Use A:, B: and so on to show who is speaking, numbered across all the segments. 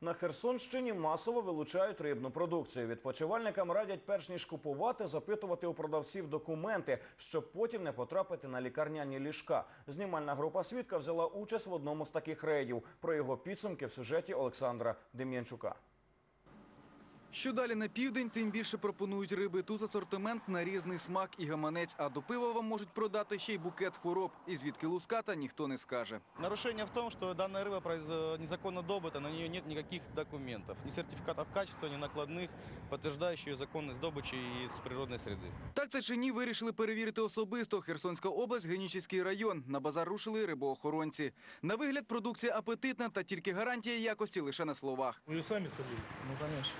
A: На Херсонщині масово вилучають рибну продукцію. Відпочивальникам радять, перш ніж купувати, запитувати у продавців документи, щоб потім не потрапити на лікарняні ліжка. Знімальна група «Свідка» взяла участь в одному з таких рейдів. Про його підсумки в сюжеті Олександра Дем'янчука.
B: Що далі на південь, тим більше пропонують риби. Тут асортимент на різний смак і гаманець, а до пива вам можуть продати ще й букет хвороб. І звідки луската, ніхто не скаже.
C: Нарушение в том, что данная рыба незаконно добыта, на нее нет никаких документов. Ни сертификатов качества, ни накладных, подтверждающих ее законность добычи из природной среды.
B: Так це чи ні, вирішили перевірити особисто. Херсонська область, Генічеський район. На базар рушили рибоохоронці. На вигляд продукція апетитна, та тільки гарантія якості лише на словах.
D: Вы ее сами садили?
C: Ну, конечно.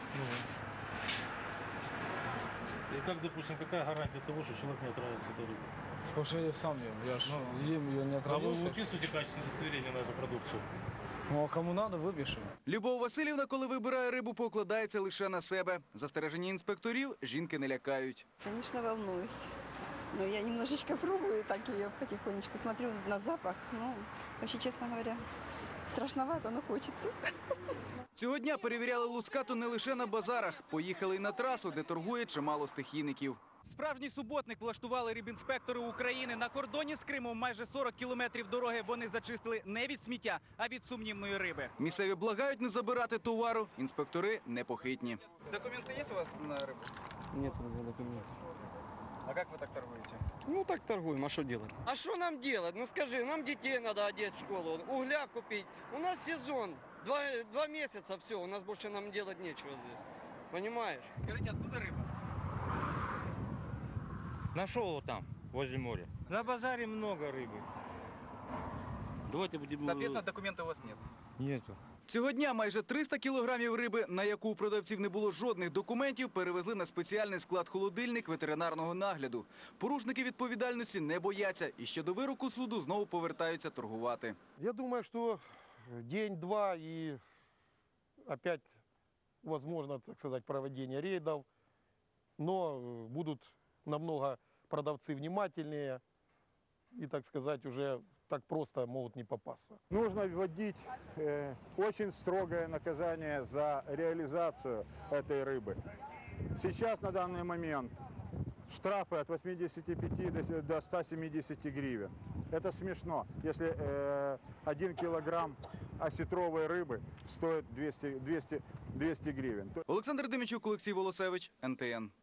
D: И как, допустим, какая гарантия того, что человек не отравится этой рыбой?
E: Потому что я ее сам ем. Я ж ем ее не
D: А вы
E: отравился.
D: выписываете качественное удостоверение на эту продукцию?
E: Ну а кому надо, выпишем.
B: Любов Васильівна, коли вибирає рибу, покладається лише на себе. Застереження інспекторів жінки не лякають.
F: Конечно, волнуюсь. Но я немножечко пробую, так ее потихонечку смотрю на запах. Ну, вообще, честно говоря, страшновато, но хочется.
B: Цього дня перевіряли лускату не лише на базарах. Поїхали й на трасу, де торгує чимало стихійників. Справжній суботник влаштували рибінспектори України. На кордоні з Кримом майже 40 кілометрів дороги вони зачистили не від сміття, а від сумнівної риби. Місцеві благають не забирати товару. Інспектори непохитні. Документи є у вас на рибу?
E: Нет у меня документов.
B: А як ви так торгуєте?
E: Ну так торгуем, а что делать?
G: А что нам делать? Ну скажи, нам детей надо одеть в школу, угля купить. У нас сезон, два месяца, все, у нас больше нам делать нечего здесь. Понимаешь?
B: Скажіть, откуда риба?
H: Нашел его там, возле моря. На базаре много рыбы. Давайте будем...
B: Соответственно, документів у вас нет.
H: Нету.
B: Цього дня майже 300 кілограмів риби, на яку у продавців не було жодних документів, перевезли на спеціальний склад-холодильник ветеринарного нагляду. Порушники відповідальності не бояться і ще до вироку суду знову повертаються торгувати.
I: Я думаю, что день-два и опять возможно, так сказать, проведение рейдов, но будут намного продавцы внимательнее и, так сказать, уже так просто могут не попасться.
J: Нужно вводить очень строгое наказание за реализацию этой рыбы. Сейчас на данный момент штрафы от 85 до 170 гривен. Это смешно, если 1 килограмм осетровой рыбы стоит 200 гривен.
B: Олександр Дем'янчук, Олексій Волосевич, НТН.